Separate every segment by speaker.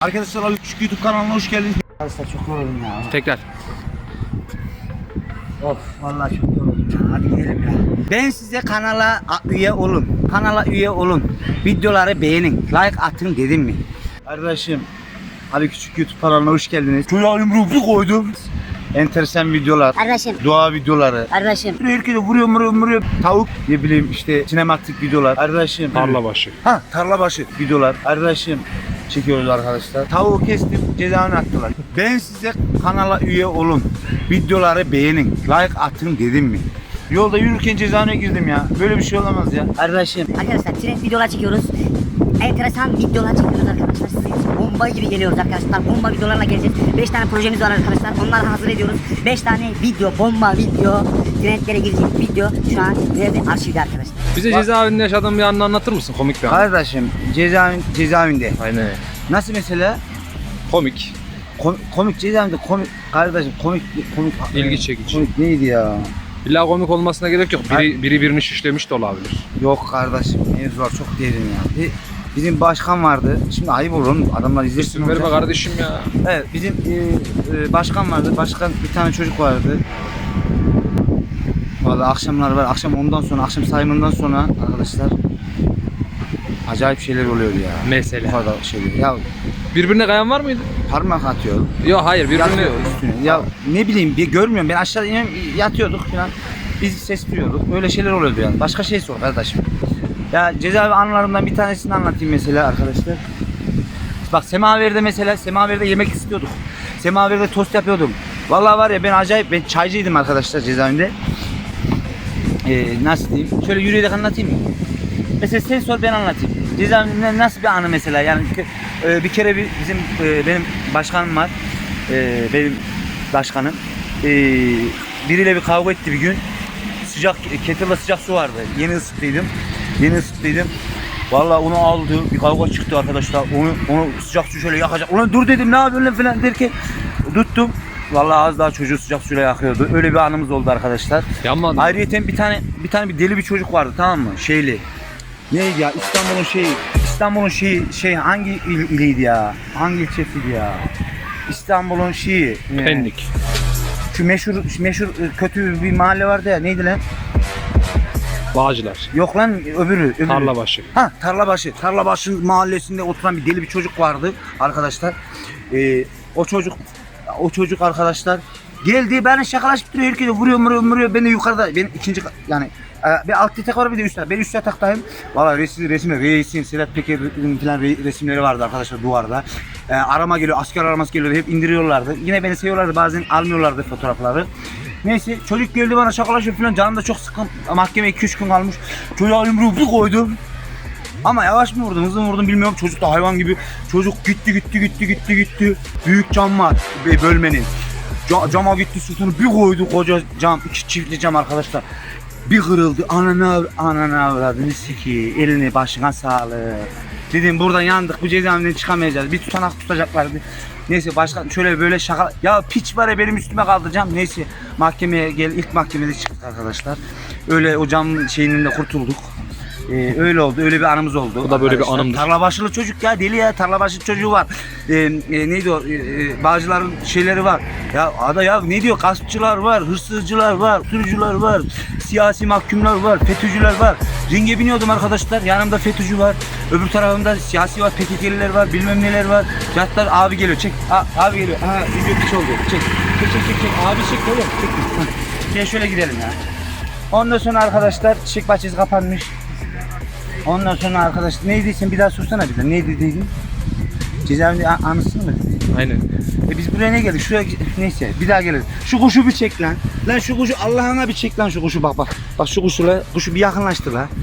Speaker 1: Arkadaşlar Ali Küçük YouTube kanalına hoş geldiniz. Arkadaşlar çok yoruldum ya.
Speaker 2: Tekrar.
Speaker 1: Of vallahi çok yoruldum ya. Hadi gidelim ya. Ben size kanala üye olun. Kanala üye olun. Videoları beğenin. Like atın dedim mi? Arkadaşım Ali Küçük YouTube kanalına hoş geldiniz. Çocuğa yumruğu bir koydum. Enteresan videolar.
Speaker 3: Arkadaşım.
Speaker 1: Dua videoları.
Speaker 3: Arkadaşım.
Speaker 1: Herkese vuruyor. Tavuk ne bileyim işte sinematik videolar. Arkadaşım.
Speaker 2: Tarla başı.
Speaker 1: Tarla başı videolar. Arkadaşım çekiyoruz arkadaşlar. Tavuğu kestim, cezaevine attılar. Ben size kanala üye olun. Videoları beğenin. Like atın dedim mi? Yolda yürürken cezaevine girdim ya. Böyle bir şey olamaz ya. Arkadaşım.
Speaker 3: Arkadaşlar trend videolar çekiyoruz. Enteresan videolar çekiyoruz arkadaşlar. Size bomba gibi geliyoruz arkadaşlar. Bomba videolarla geleceğiz. 5 tane projemiz var arkadaşlar. Onları hazır ediyoruz. 5 tane video, bomba video, trendlere girecek video şu an nerede? Arşivde arkadaşlar.
Speaker 2: Bize cezaevinde yaşadığın bir anını anlatır mısın? Komik bir an.
Speaker 1: Kardeşim cezaevinde.
Speaker 2: Aynen.
Speaker 1: Nasıl mesela?
Speaker 2: Komik.
Speaker 1: Komik cezaevinde komik. Kardeşim komik.
Speaker 2: İlgi çekici.
Speaker 1: Komik neydi ya?
Speaker 2: İlla komik olmasına gerek yok. Biri birini şişlemiş de olabilir.
Speaker 1: Yok kardeşim mevzular çok derin ya. Bizim başkan vardı. Şimdi ayıp olur oğlum. Adamlar izlesin.
Speaker 2: İsim verme kardeşim ya.
Speaker 1: Evet bizim başkan vardı. Başkan bir tane çocuk vardı. Vallahi akşamlar var. Akşam sayımından sonra arkadaşlar acayip şeyler oluyor ya.
Speaker 2: Mesela.
Speaker 1: Bu kadar şeyler. Ya
Speaker 2: Birbirine kayan var mıydı?
Speaker 1: parmak atıyor.
Speaker 2: Yok hayır birbirine.
Speaker 1: Yatıyor üstüne. Ya ne bileyim görmüyorum. Ben aşağı iniyorum yatıyorduk falan. Biz ses duyuyorduk. Öyle şeyler oluyordu yani. Başka şey sor kardeşim. Ya cezaevi anılarımdan bir tanesini anlatayım mesela arkadaşlar. Bak Semaver'de yemek istiyorduk. Semaver'de tost yapıyordum. Vallahi var ya ben çaycıydım arkadaşlar cezaevinde. Nasıl diyeyim? Şöyle yürüyerek anlatayım mı? Mesela sen sor ben anlatayım. Cezaevinde nasıl bir anı mesela yani bir kere benim başkanım var. Benim başkanım. Biriyle bir kavga etti bir gün. Kettle'da sıcak su vardı. Yeni ısıttıydım. Vallahi onu aldı. Bir kavga çıktı arkadaşlar. Onu sıcak su şöyle yakacak. Ulan dur dedim ne yapıyorsun lan falan derken tuttum. Vallahi az daha çocuğu sıcak suyla yakıyordu. Öyle bir anımız oldu arkadaşlar.
Speaker 2: Yanmadı mı?
Speaker 1: Ayrıyeten bir tane deli bir çocuk vardı tamam mı? Şeyli. Neydi ya? İstanbul'un şeyi hangi iliydi ya? Hangi ilçesiydi ya? İstanbul'un şeyi.
Speaker 2: Pendik.
Speaker 1: Şu meşhur kötü bir mahalle vardı ya. Neydi lan?
Speaker 2: Bağcılar.
Speaker 1: Yok lan öbürü.
Speaker 2: Tarla başı.
Speaker 1: Tarlabaşı. Tarlabaşı mahallesinde oturan bir deli bir çocuk vardı arkadaşlar. O çocuk arkadaşlar geldi beni şakalaşıp duruyor herkese vuruyor beni yukarıda ben ikinci yani bir alt yatak var bir de üst yatak. Ben üst yataktayım. Valla resimler reisin Sedat Peker'in falan resimleri vardı arkadaşlar duvarda. Arama geliyor asker araması geliyordu hep indiriyorlardı. Yine beni seviyorlardı bazen almıyorlardı fotoğrafları. Neyse çocuk geldi bana şakalaşıyor falan canım da çok sıkın mahkeme 2-3 gün kalmış. Çocuğa yumruğu bir koydum. Ama yavaş mı vurdum hızlı mı vurdum bilmiyorum çocuk da hayvan gibi. Çocuk gitti. Büyük cam var bölmenin. Cama gitti sırtını bir koydu koca cam 2 çiftli cam arkadaşlar. Bir kırıldı anana avradını siki elini başına sağlık. Dedim buradan yandık bu cezaevinden çıkamayacağız bir tutanak tutacaklardı. Neyse başkan şöyle böyle şaka ya piç var ya benim üstüme kaldı cam neyse mahkemeye ilk mahkemede çıktık arkadaşlar. Öyle o cam şeyinin de kurtulduk. Öyle oldu. Öyle bir anımız oldu.
Speaker 2: Bu da böyle bir anımdır.
Speaker 1: Tarlabaşılı çocuk ya deli ya. Tarlabaşı çocuğu var. Neydi o? Bağcıların şeyleri var. Ya ada ya ne diyor? Gaspçılar var, hırsızcılar var, sürücüler var, siyasi mahkumlar var, FETÖ'cüler var. Ringe biniyordum arkadaşlar. Yanımda FETÖ'cü var. Öbür tarafımda siyasi var, PKK'liler var, bilmem neler var. Fiyatlar abi geliyor. Çek. Abi geliyor. Video piç oldu. Çek. Abi çek oğlum. Çek. Gel şöyle gidelim ya. Ondan sonra arkadaşlar çiçek bahçesi kapanmış. Ondan sonra arkadaşlar neydi sen bir daha sorsana bize neydi dedin? Cezaevinde anısın mı dedi?
Speaker 2: Aynen.
Speaker 1: Biz buraya ne geldik? Şuraya neyse bir daha geliriz. Şu kuşu bir çek lan. Lan şu kuşu Allah'ına bir çek lan şu kuşu bak. Bak şu kuşu bir yakınlaştır la.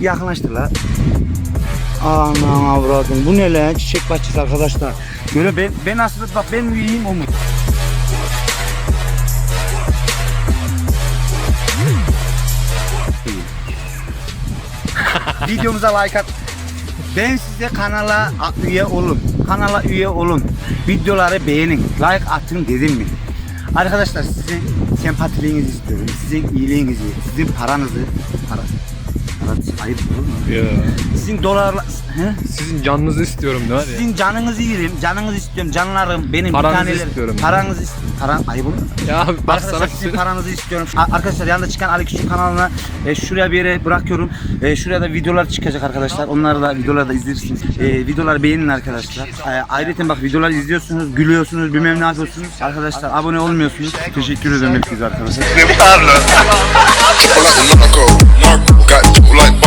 Speaker 1: Aman avradım bu ne lan çiçek bahçesi arkadaşlar. Böyle ben aslında bak ben mi yiyeyim o mu? Videomuza like at. Ben size kanala üye olun. Videoları beğenin. Like atın dedim mi? Arkadaşlar sizin sempatiliğinizi istiyorum. Sizin iyiliğinizi, sizin paranızı Murat ayıp olur mu?
Speaker 2: Ya.
Speaker 1: Sizin dolarla... He?
Speaker 2: Sizin canınızı istiyorum ne var ya?
Speaker 1: Sizin canınızı yerim, canınızı istiyorum, canlarım benim
Speaker 2: Paranızı
Speaker 1: bir taneler.
Speaker 2: istiyorum.
Speaker 1: Paranızı istiyorum. Paran ayıp olur mu?
Speaker 2: Ya bak sana
Speaker 1: Arkadaşlar
Speaker 2: bir
Speaker 1: sizin
Speaker 2: şey.
Speaker 1: paranızı istiyorum. Arkadaşlar yanında çıkan Ali Küçük kanalına şuraya bir yere bırakıyorum. Şuraya da videolar çıkacak arkadaşlar. Onları da videoları da izlersiniz. Videoları beğenin arkadaşlar. Ayrıca bak videoları izliyorsunuz, gülüyorsunuz, bilmem ne yapıyorsunuz. Arkadaşlar abone olmuyorsunuz. Teşekkür ederim hepinize arkadaşlar.
Speaker 4: Triple like the narco, got triple like